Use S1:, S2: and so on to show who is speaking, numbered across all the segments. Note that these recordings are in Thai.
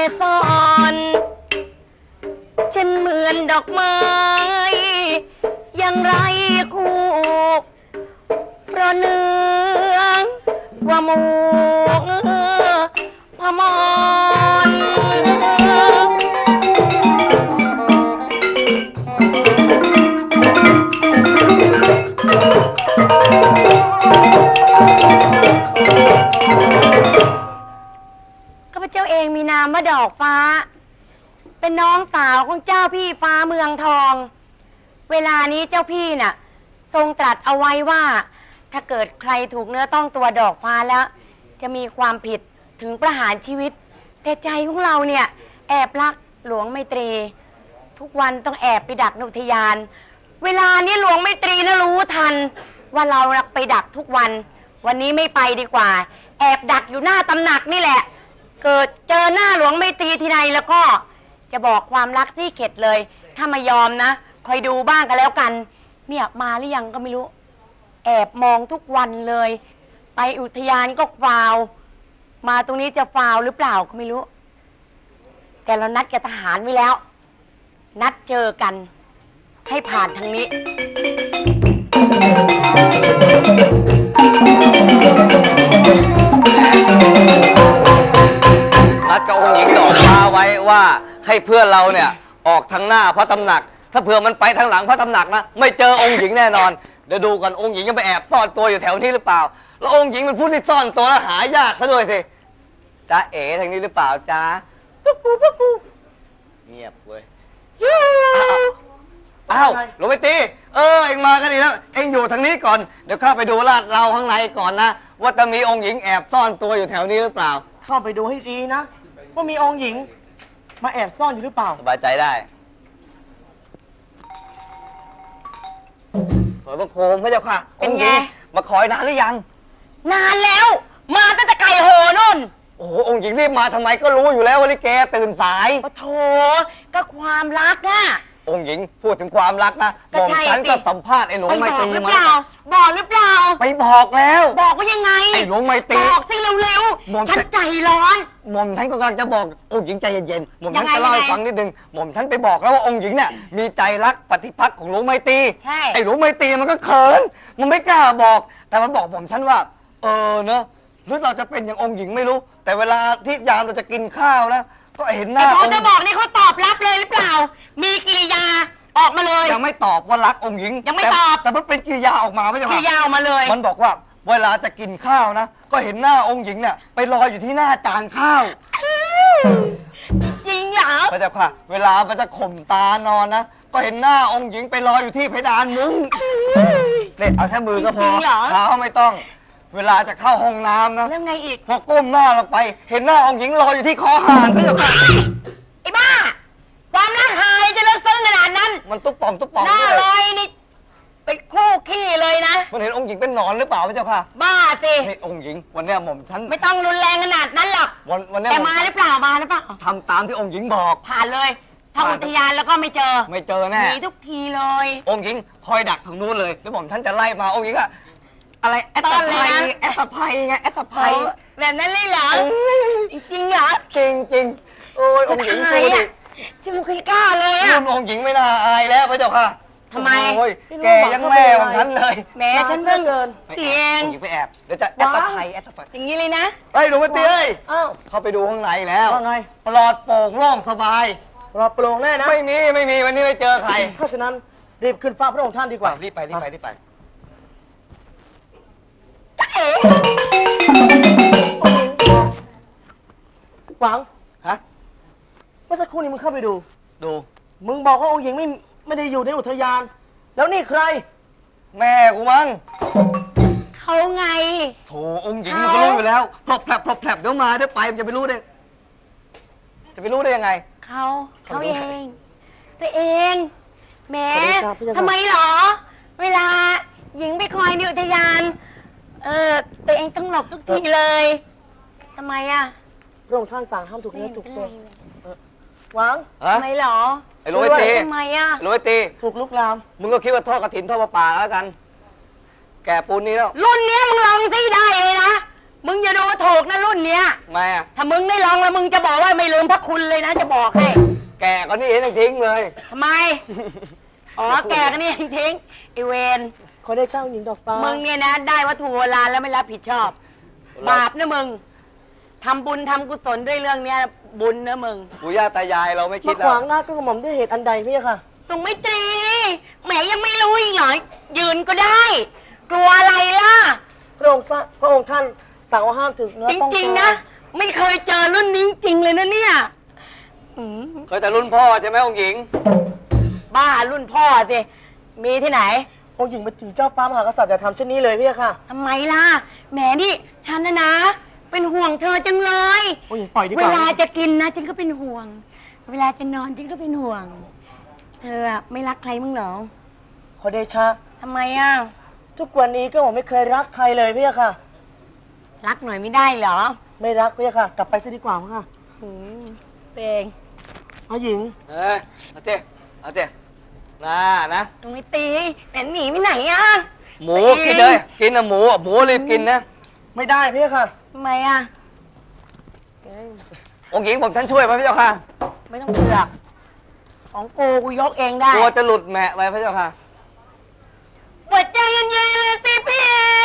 S1: ซ่อนฉันเหมือนดอกไม้ยังไรคู่เพราะเนื้อว่าหมูพมรข้าพเจ้าเองมีนามว่าดอกฟ้าเป็นน้องสาวของเจ้าพี่ฟ้าเมืองทองเวลานี้เจ้าพี่น่ะทรงตรัสเอาไว้ว่าถ้าเกิดใครถูกเนื้อต้องตัวดอกฟ้าแล้วจะมีความผิดถึงประหารชีวิตแต่ใจของเราเนี่ยแอบรักหลวงไมตรีทุกวันต้องแอบไปดักอุทยานเวลานี้หลวงไมตรีน่ะรู้ทันว่าเราไปดักทุกวันวันนี้ไม่ไปดีกว่าแอบดักอยู่หน้าตำหนักนี่แหละเกิดเจอหน้าหลวงไมตรีทีไรแล้วก็จะบอกความรักซี่เข็ดเลยถ้ามายอมนะคอยดูบ้างกันแล้วกันเนี่ยมาหรือยังก็ไม่รู้แอบมองทุกวันเลยไปอุทยานก็ฟาวมาตรงนี้จะฟาวหรือเปล่าก็ไม่รู้แต่เรานัดกับทหารไว้แล้วนัดเจอกันให้ผ่านทางนี้
S2: นัดกับองค์หญิงดอกฟ้าไว้ว่าให้เพื่อนเราเนี่ยออกทางหน้าพระตำหนักถ้าเผื่อมันไปทางหลังพระตำหนักนะไม่เจอองค์หญิงแน่นอนเดี๋ยวดูกันองค์หญิงยังไปแอบซ่อนตัวอยู่แถวนี้หรือเปล่าแล้วองค์หญิงเป็นผู้ที่ซ่อนตัวแล้วหายากซะด้วยสิจ้าเอ๋ทางนี้หรือเปล่าจ้าปุ๊กกูเงียบเว้ยอ้าวหลวงไปตีเอ็งมากันดีแล้วเอ็งอยู่ทางนี้ก่อนเดี๋ยวข้าไปดูลาดเราข้างในก่อนนะว่าจะมีองค์หญิงแอบซ่อนตัวอยู่แถวนี้หรือเปล่า
S3: เข้าไปดูให้ดีนะว่ามีองค์หญิงมาแอบซ่อนอยู่หรือเปล่า
S2: สบายใจได้สวยพระโคมพระเจ้าค่ะองค์หญิงมาคอยนานหรือยัง
S1: นานแล้วมาตั้งแต่ไก่โหนู่น
S2: โอ้โหองค์หญิงรีบมาทำไมก็รู้อยู่แล้วว่าลิเกตื่นสาย
S1: โอ้โถก็ความรักอะ
S2: องค์หญิงพูดถึงความรักนะบอกฉันก็สัมภาษณ์ไอ้หลวงไมตรีมา
S1: บอกหรือเปล่า
S2: ไปบอกแล้ว
S1: บอกว่ายังไง
S2: ไอ้หลวงไมตรี
S1: บอกสิเร็วๆฉันใจร้อน
S2: หม่อมฉันก็กำลังจะบอกองค์หญิงใจเย็นๆหม่อมฉันจะเล่าให้ฟังนิดนึงหม่อมฉันไปบอกแล้วว่าองค์หญิงเนี่ยมีใจรักปฏิภักษ์ของหลวงไมตรีไอ้หลวงไมตรีมันก็เขินมันไม่กล้าบอกแต่มันบอกหม่อมฉันว่าเนอะหรือเราจะเป็นอย่างองค์หญิงไม่รู้แต่เวลาที่ยามเราจะกินข้าวนะก็เห็นหน้า
S1: องค์จะบอกนี่เขาตอบรับเลยหรือเปล่ามีกิริยาออกมาเลย
S2: ยังไม่ตอบว่ารักองค์หญิง
S1: ยังไม่ตอบ
S2: แต่มันเป็นกิริยาออกมาไม่ใช่ไหม
S1: กิริยาออกมาเลย
S2: มันบอกว่าเวลาจะกินข้าวนะก็เห็นหน้าองค์หญิงเนี่ยไปลอยอยู่ที่หน้าจานข้าว
S1: จริงเหรอ
S2: พระเจ้าค่ะเวลามันจะข่มตานอนนะก็เห็นหน้าองค์หญิงไปลอยอยู่ที่เพดานมุ้งเนี่ยเอาแค่มือก็พอเท้าไม่ต้องเวลาจะเข้าห้องน้ำนะ
S1: แล้วไงอีก
S2: พอก้มหน้าลงไปเห็นหน้าองค์หญิงลอยอยู่ที่คอหานพระเจ้าค่ะ
S1: ไอ้บ้าความรักหายจะเลิกซึ้งขนาดนั้น
S2: มันตุ๊บป่อง
S1: หน้าลอยนี่ไปคู่ขี้เลยนะ
S2: มันเห็นองค์หญิงเป็นหนอนหรือเปล่าพระเจ้าค่ะ
S1: บ้าสิ
S2: นี่องค์หญิงวันนี้หม่อมฉัน
S1: ไม่ต้องรุนแรงขนาดนั้นหรอก
S2: วันนี้
S1: แต่มาหรือเปล่า
S2: ทำตามที่องค์หญิงบอก
S1: ผ่านเลยถ้าอุทยานแล้วก็ไม่เจอ
S2: แน่
S1: หนีทุกทีเลย
S2: องค์หญิงคอยดักทางนู้นเลยแล้วผมท่านจะไล่มาองค์หญิงอะอะไรแอตตาไพไงแอตตาไพ
S1: แบบนั้นเลยเหรอจริงเหรอ
S2: จริงโอ้ยองค์หญิงดูดิ
S1: จะไม่เคยกล้าเลยอะ
S2: รุ่นองค์หญิงไม่น่าอายแล้วพระเจ้าค่ะ
S1: ทำไม
S2: โอ้ยแกยังแม่ของฉันเลย
S1: แม่ฉันเพิ่งเกิน
S2: เตียงองค์หญิงไปแอบเดี๋ยวจะแอตตาไพ
S1: อย่างนี้เลยนะ
S2: เฮ้ยหลวงพ่อเตี้ยเข้าไปดูข้างในแล้วปลอดโปร่งโล่งสบาย
S3: ปลอดโปร่งแน่นะ
S2: ไม่มีวันนี้ไม่เจอใคร
S3: ถ้าฉะนั้นรีบขึ้นฟ้าพระองค์ท่านดีกว่า
S2: รีบไป
S3: หวัง
S2: ฮะ
S3: เมื่อสักครู่นี้มึงเข้าไปดูมึงบอกว่าองค์หญิงไม่ได้อยู่ในอุทยานแล้วนี่ใคร
S2: แม่กูมั้ง
S1: เขาไง
S2: โถองค์หญิงมันก็รู้อยู่แล้วพลบแผลบเดี๋ยวมาเดี๋ยวไปมันจะไปรู้ได้ยังไง
S1: เขาเองตัวเองแม่ทำไมหรอเวลาหญิงไปคอยในอุทยานตัวเองต้องหลบทุกทีเลยทำไมอะ
S3: พระองค์ท่านสั่งห้ามถูกเนื้อถูกตัวหวัง
S1: ทำไมหรอ
S2: ไอ้โรยตี
S1: ทำไมอะ
S2: โรยตี
S3: ถูกลุกลาม
S2: มึงก็คิดว่าทอดกระถินทอดปลาแล้วกันแกปูนนี้แล้ว
S1: รุ่นนี้มึงลองซิได้เลยนะมึงอย่าดูถูกนะรุ่นเนี้ย
S2: ทำไมอ่ะ
S1: ถ้ามึงได้ลองแล้วมึงจะบอกว่าไม่ลืมพระคุณเลยนะจะบอกให้
S2: แก่ก็นี่เองยังทิ้งเลย
S1: ทำไม อ๋อแกกันนี่ยังทิ้งไอเวน
S3: ขอได้เช่าองค์หญิงดอกฟ้า
S1: มึงเนี่ยนะได้วัตถุโบราณแล้วไม่รับผิดชอบ บาปนะมึงทำบุญทำกุศลด้วยเรื่องเนี้ยบุญนะมึง
S2: ปู่ย่าตายายเราไม่คิ
S3: มา
S2: ด
S3: ข
S2: แล้ว
S3: วางหน้าก็กระหม่อมด้วยเหตุอันใดพี่ค่ะ
S1: ลุงไม่ตรีแหมยังไม่รู้อีกเหรอยืนก็ได้ กลัวอะไรล่ะ
S3: พระองค์ท่านสั่งว่าห้ามถึงเนื้อ
S1: จ
S3: ต้อง
S1: ริง
S3: ตัว
S1: ๆนะ ไม่เคยเจอรุ่นนี้จริงเลยนะเนี่ยอืม
S2: เคยแต่รุ่นพ่อใช่ไหมองค์หญิง
S1: บ้ารุ่นพ่อสิมีที่ไหน
S3: องค์หญิงมาถึงเจ้าฟ้ามหากษัตริย์จะทำเช่นนี้เลยพี่ค่ะ
S1: ทำไมล่ะแหมนี่ฉันนะ เป็นห่วงเธอจังเลย
S3: องค์หญิงปล่อยดีก
S1: เว
S3: ว่า
S1: ลาจะกินนะฉันก็เป็นห่วง เวลาจะนอนฉันก็เป็นห่วง เธออะไม่รักใครมั้งเหรอ
S3: ขอเดชะ
S1: ทำไมอ่ะ
S3: ทุกวันนี้ก็ผมไม่เคยรักใครเลยพี่ค่ะ
S1: รักหน่อยไม่ได้เหรอ
S3: ไม่รักพี่ค่ะ กลับไปซะดีกว่าพี่ค่ะ
S1: อืมเอง
S3: องค์หญิง
S2: เอาเจ้เอาเจ้นะ
S1: ตรงไม่ตีแหมหนีไปไหนอ่ะ
S2: หมูกินเลยกินนะหมูรีบกินนะ
S3: ไม่ได้พี่ค่ะ
S1: ทำไมอ่ะ
S2: องค์หญิงผมฉันช่วยไหมพระเจ้าค่ะ
S1: ไม่ต้องเสือกของกูยกเองได้
S2: กลัวจะหลุดแมะไปพระเจ้าค่ะ
S1: หัวใจเย็นๆเลยสิพี่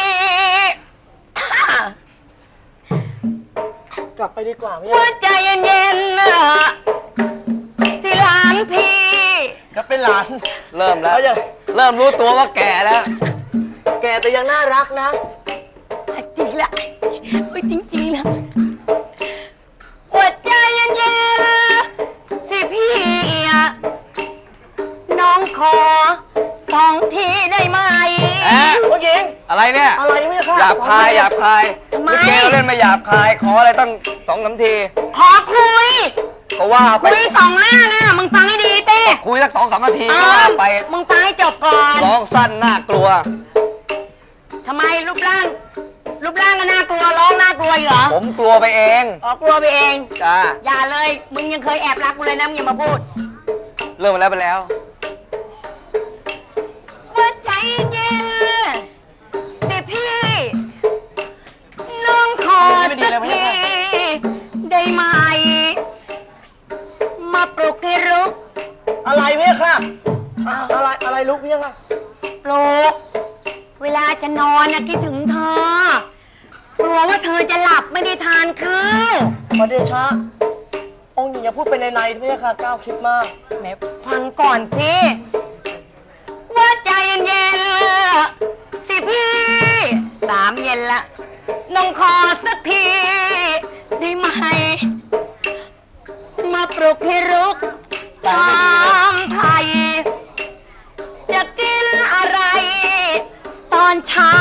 S3: กลับไปดีกว่าพี่
S1: หัวใจเย็นๆนะสิหลานพี่
S3: ก็เป็นหลาน
S2: เริ่มแล้ว
S3: เอาอย่าง
S2: เริ่มรู้ตัวว่าแก่แล้ว
S3: แกแต่ยังน่ารักนะ
S1: จริงละโอ้ยจริงๆละหัวใจเย็นๆสิพี่อะน้องขอ2 ทีได้ไหม
S3: องค์หญิง
S2: อะไรเนี่ย
S3: อะไรพี่ค่ะ
S2: หยาบคายหยาบคาย
S1: ทำไม
S2: ลิเกเราเล่นมาหยาบคาย ขออะไรตั้ง2-3 ที
S1: ขอคุย
S2: ก็ว่าไป
S1: คุย2 หน้านะมึงฟังให้ดีเต้
S2: คุยสัก2-3 นาทีก็ว่าไป
S1: มึงฟังให้จบก่อน
S2: ร้องสั้นน่ากลัว
S1: ทำไมรูปร่างก็น่ากลัวร้องน่ากลัวอีกเหรอ
S2: ผมกลัวไปเอง
S1: อ๋อกลัวไปเอง
S2: จ้า
S1: อย่าเลย มึงยังเคยแอบรักกูเลยนะมึงอย่ามาพูด
S2: เริ่มมาแล้วไปแล้ว
S1: หัวใจเย็นสิพี่ น้องขอสักทีได้ไหม มาปลุกให้รุก
S3: อะไรพี่ค่ะอะไรลุกพี่ค่ะ
S1: ปลุก เวลาจะนอนนะคิดถึงเธอ กลัวว่าเธอจะหลับไม่ได้ทานข้าว
S3: ขอเดชะ องค์หญิงอย่าพูดไปในพี่ค่ะก้าวคิดมาก
S1: แหมฟังก่อนสิว่าใจเย็นๆสิพี่3 เย็นละน้องขอสักทีได้ไหม มาปลุกให้รุกตามไทย จะกินอะไร ตอนเช้า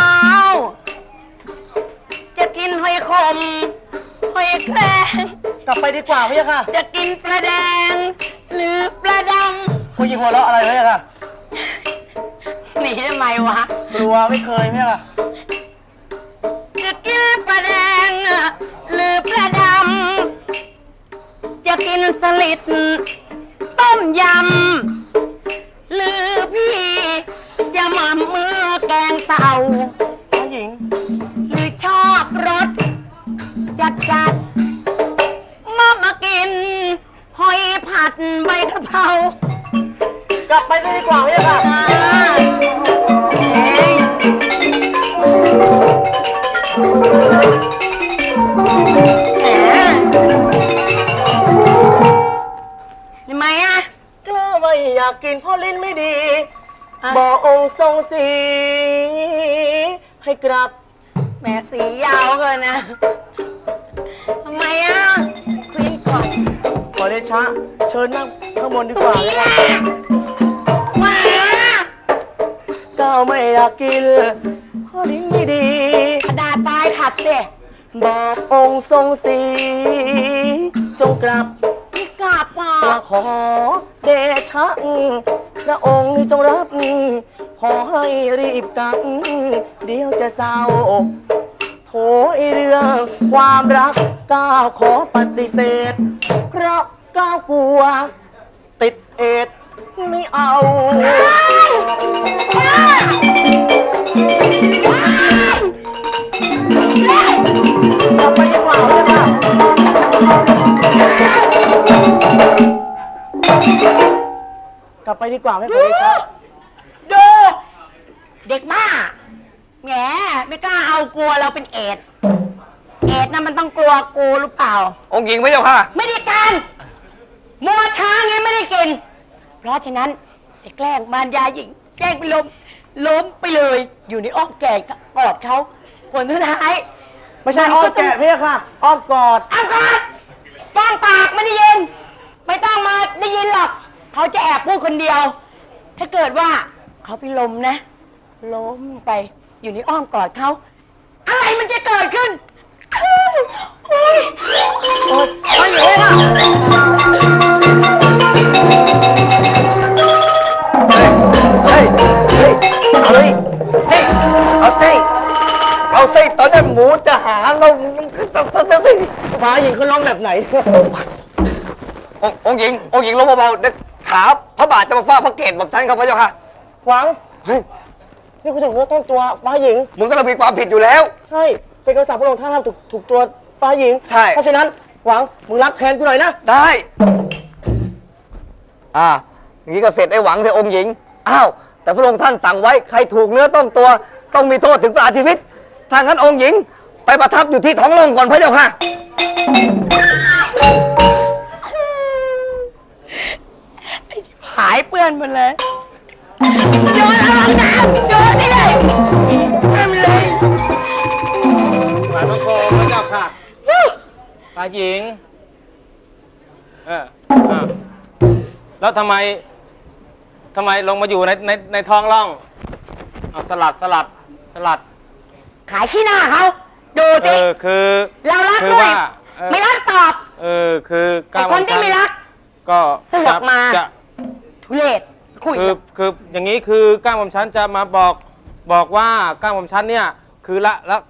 S1: จะกินหอยขมหอยแครง
S3: กลับไปดีกว่าพี่ค่ะ
S1: จะกินปลาแดง หรือปลาดัง
S3: ผู้หญิงหัวเราะอะไรพี่ค่ะ
S1: หนีทำไมวะ
S3: กลัวไม่เคยพี่ค่ะ
S1: จะกินปลาแดง หรือปลาดำ จะกินสลิดต้มยำ หรือพี่จะมามือแกงเต่า
S3: ผู้หญิง
S1: หรือชอบรสจัดมากิน หอยผัดใบกะเพราก
S3: ลับไปดีกว่าพี่ค่ะ
S1: เอ้ยแหมทำไมอ่ะ
S3: กล้าไม่อยากกินเพ่อลิ้นไม่ดี บอกองค์ทรงสี ให้กลับ
S1: แหมสียาวเกินนะทำไมอ่ะคุยก่อน
S3: ขอเดชะ เชิญนั่งข้างบนดีก
S1: ตุ
S3: ว่า
S1: ย
S3: พี่
S1: แห
S3: ค่ะ
S1: ละมา
S3: ก้าวไม่อยากกินเพ่อลิ้นไม่ดี
S1: กระดาษปลายขัดสิ
S3: บอกองค์ทรงสี จงกลับ
S1: กลับอ่ะ
S3: มาขอเดชะพระองค์จงรับ ขอให้รีบกลับ เดี๋ยวจะเศร้า โถไอเรื่องความรักก้าวขอปฏิเสธ เพราะก้าวกลัว ติดเอดส์ไม่เอา
S1: ว้าย
S3: ไปดีกว่าให้ขอเดชะ
S1: ดูเด็กบ้าแหมไม่กล้าเอากลัวเราเป็นเอดส์นะมันต้องกลัวกูหรือเปล่า
S2: องค์หญิงพระเจ้าค่ะ
S1: ไม่ได้การมัวช้าไงไม่ได้กิน เพราะฉะนั้นจะแกล้งมารยาหญิงแกล้งเป็นล้มไปเลย อยู่ในอ้อมแก่กอดเขาผลสุดท้าย
S3: ไม่ใช่อ้อมแกะพี่ค่ะ อ้อมกอด
S1: อ้าวก่อนป้องปากไม่ได้ยิน ไม่ต้องมาได้ยินหรอกเขาจะแอบพูดคนเดียว ถ้าเกิดว่าเขาไปล้มนะ ล้มไปอยู่ในอ้อมกอดเขาอะไรมันจะเกิดขึ้นโอ้ย
S3: โอ๊ยไม่เหลือละ
S2: เฮ้ย เฮ้ย เอาเลยเฮ้ย เอาเต้เอาไส้ตอนนั้นหมูจะหาเราต้อง
S3: ฟ้าหญิงเขาร้องแบบไหน
S2: องค์หญิงลงเบาๆเด็กขาพระบาทจะมาฟาดพระเกศบอกฉันครับพระเจ้าค่ะ
S3: หวัง
S2: เฮ้ย
S3: นี่คุณถึงว่าต้นตัวฟ้าหญิง
S2: มึงก็ต้องมีความผิดอยู่แล้ว
S3: ใช่ เป็นคำสั่งพระองค์ท่านห้ามถูกตัวฟ้าหญิง
S2: ใช่
S3: เพราะฉะนั้นหวังมึงรับแทนกูหน่อยนะ
S2: ได้ อย่างนี้ก็เสร็จไอ้หวังเถอะองค์หญิง อ้าว แต่พระองค์ท่านสั่งไว้ ใครถูกเนื้อต้องตัว ต้องมีโทษถึงประหารชีวิต ถ้างั้นองค์หญิง ไปประทับอยู่ที่ท้องโลงก่อนพระเจ้าค่ะ
S1: หายเปื้อนหมดเลยโยนเอาห้องน้ำโยนนี่เลยทำเลย
S4: หมายพระโคมพระเจ้าค่ะฝ่ายหญิงแล้วทำไมลงมาอยู่ในท้องร่องเอาสลัด
S1: ขายขี้หน้าเขาดูสิ
S4: คือ
S1: เรารัก
S4: คือ
S1: ด้วย
S4: ว่า
S1: ไม่รักตอบ
S4: คือ
S1: ไอ้คนที่ไม่รัก
S4: ก็
S1: เสือกมา
S4: จะ
S1: ทุเรศคุย
S4: คืออย่างนี้คือก้าวผมชั้นจะมาบอกว่าก้าวผมชั้นเนี่ยคือละ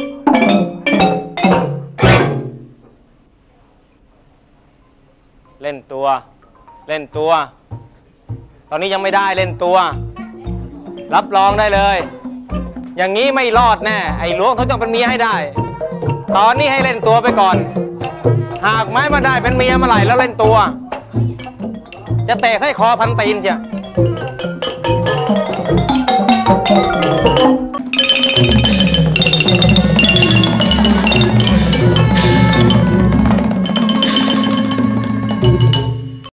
S4: เล่นตัว ตอนนี้ยังไม่ได้เล่นตัว รับรองได้เลย อย่างนี้ไม่รอดแน่ไอ้หลวงเขาจะเป็นเมียให้ได้ ตอนนี้ให้เล่นตัวไปก่อน หากไม่มาได้เป็นเมียเมื่อไหร่แล้วเล่นตัว จะเตะให้คอพันตีนเชียว